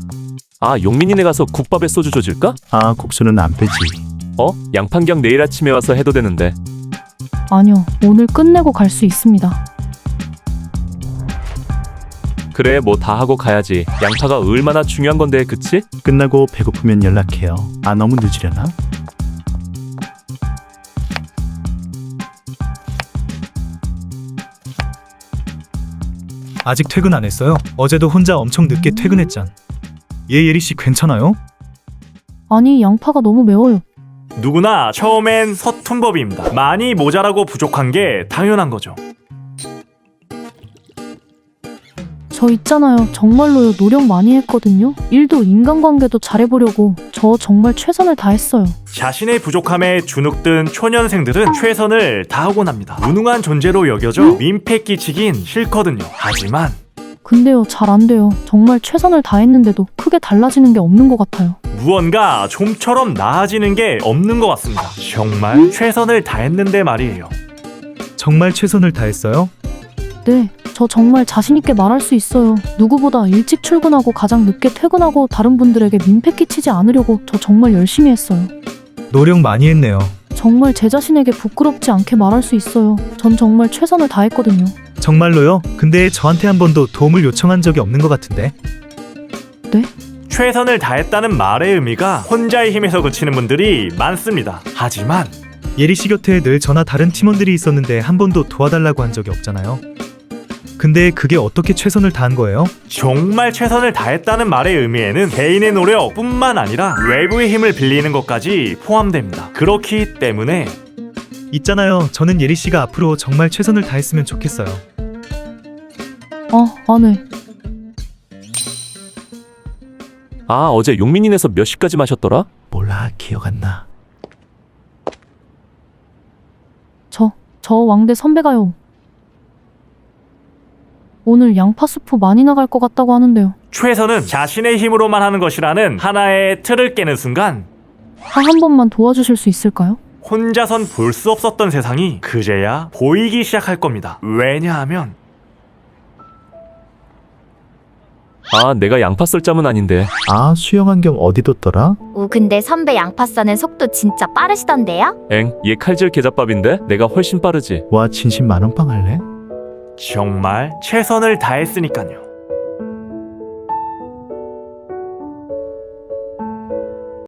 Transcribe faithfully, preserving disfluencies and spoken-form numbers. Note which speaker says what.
Speaker 1: 아, 용민이네 가서 국밥에 소주 줘줄까?
Speaker 2: 아, 국수는 안 빼지.
Speaker 1: 어? 양판경 내일 아침에 와서 해도 되는데.
Speaker 3: 아니요, 오늘 끝내고 갈 수 있습니다.
Speaker 1: 그래, 뭐 다 하고 가야지. 양파가 얼마나 중요한 건데, 그치?
Speaker 2: 끝나고 배고프면 연락해요. 아, 너무 늦으려나?
Speaker 4: 아직 퇴근 안 했어요? 어제도 혼자 엄청 늦게 퇴근했잖. 얘 예리씨 괜찮아요?
Speaker 3: 아니, 양파가 너무 매워요.
Speaker 5: 누구나 처음엔 서툰 법입니다. 많이 모자라고 부족한 게 당연한 거죠.
Speaker 3: 저 있잖아요. 정말로요. 노력 많이 했거든요. 일도 인간관계도 잘해보려고 저 정말 최선을 다했어요.
Speaker 5: 자신의 부족함에 주눅든 초년생들은 최선을 다하곤 합니다. 무능한 존재로 여겨져 민폐 끼치긴 싫거든요. 하지만
Speaker 3: 근데요, 잘 안 돼요. 정말 최선을 다했는데도 크게 달라지는 게 없는 것 같아요.
Speaker 5: 무언가 좀처럼 나아지는 게 없는 것 같습니다. 정말 최선을 다했는데 말이에요.
Speaker 4: 정말 최선을 다했어요?
Speaker 3: 네, 저 정말 자신있게 말할 수 있어요. 누구보다 일찍 출근하고 가장 늦게 퇴근하고 다른 분들에게 민폐 끼치지 않으려고 저 정말 열심히 했어요.
Speaker 4: 노력 많이 했네요.
Speaker 3: 정말 제 자신에게 부끄럽지 않게 말할 수 있어요. 전 정말 최선을 다했거든요.
Speaker 4: 정말로요? 근데 저한테 한 번도 도움을 요청한 적이 없는 것 같은데.
Speaker 3: 네?
Speaker 5: 최선을 다했다는 말의 의미가 혼자의 힘에서 그치는 분들이 많습니다. 하지만
Speaker 4: 예리씨 곁에 늘 저나 다른 팀원들이 있었는데 한 번도 도와달라고 한 적이 없잖아요. 근데 그게 어떻게 최선을 다한 거예요?
Speaker 5: 정말 최선을 다했다는 말의 의미에는 개인의 노력뿐만 아니라 외부의 힘을 빌리는 것까지 포함됩니다. 그렇기 때문에
Speaker 4: 있잖아요. 저는 예리씨가 앞으로 정말 최선을 다했으면 좋겠어요.
Speaker 3: 아, 안 해.
Speaker 1: 아, 어제 용민이네서 몇 시까지 마셨더라?
Speaker 2: 몰라, 기억 안 나.
Speaker 3: 저, 저 왕대 선배가요. 오늘 양파 수프 많이 나갈 것 같다고 하는데요.
Speaker 5: 최선은 자신의 힘으로만 하는 것이라는 하나의 틀을 깨는 순간
Speaker 3: 아, 한 번만 도와주실 수 있을까요?
Speaker 5: 혼자선 볼 수 없었던 세상이 그제야 보이기 시작할 겁니다. 왜냐하면
Speaker 1: 아, 내가 양파 썰 짬은 아닌데.
Speaker 2: 아, 수영 안경 어디 뒀더라?
Speaker 6: 오, 근데 선배 양파 싸는 속도 진짜 빠르시던데요?
Speaker 1: 엥, 얘 칼질 계잡밥인데? 내가 훨씬 빠르지.
Speaker 2: 와, 진심 만원빵 할래?
Speaker 5: 정말 최선을 다했으니까요.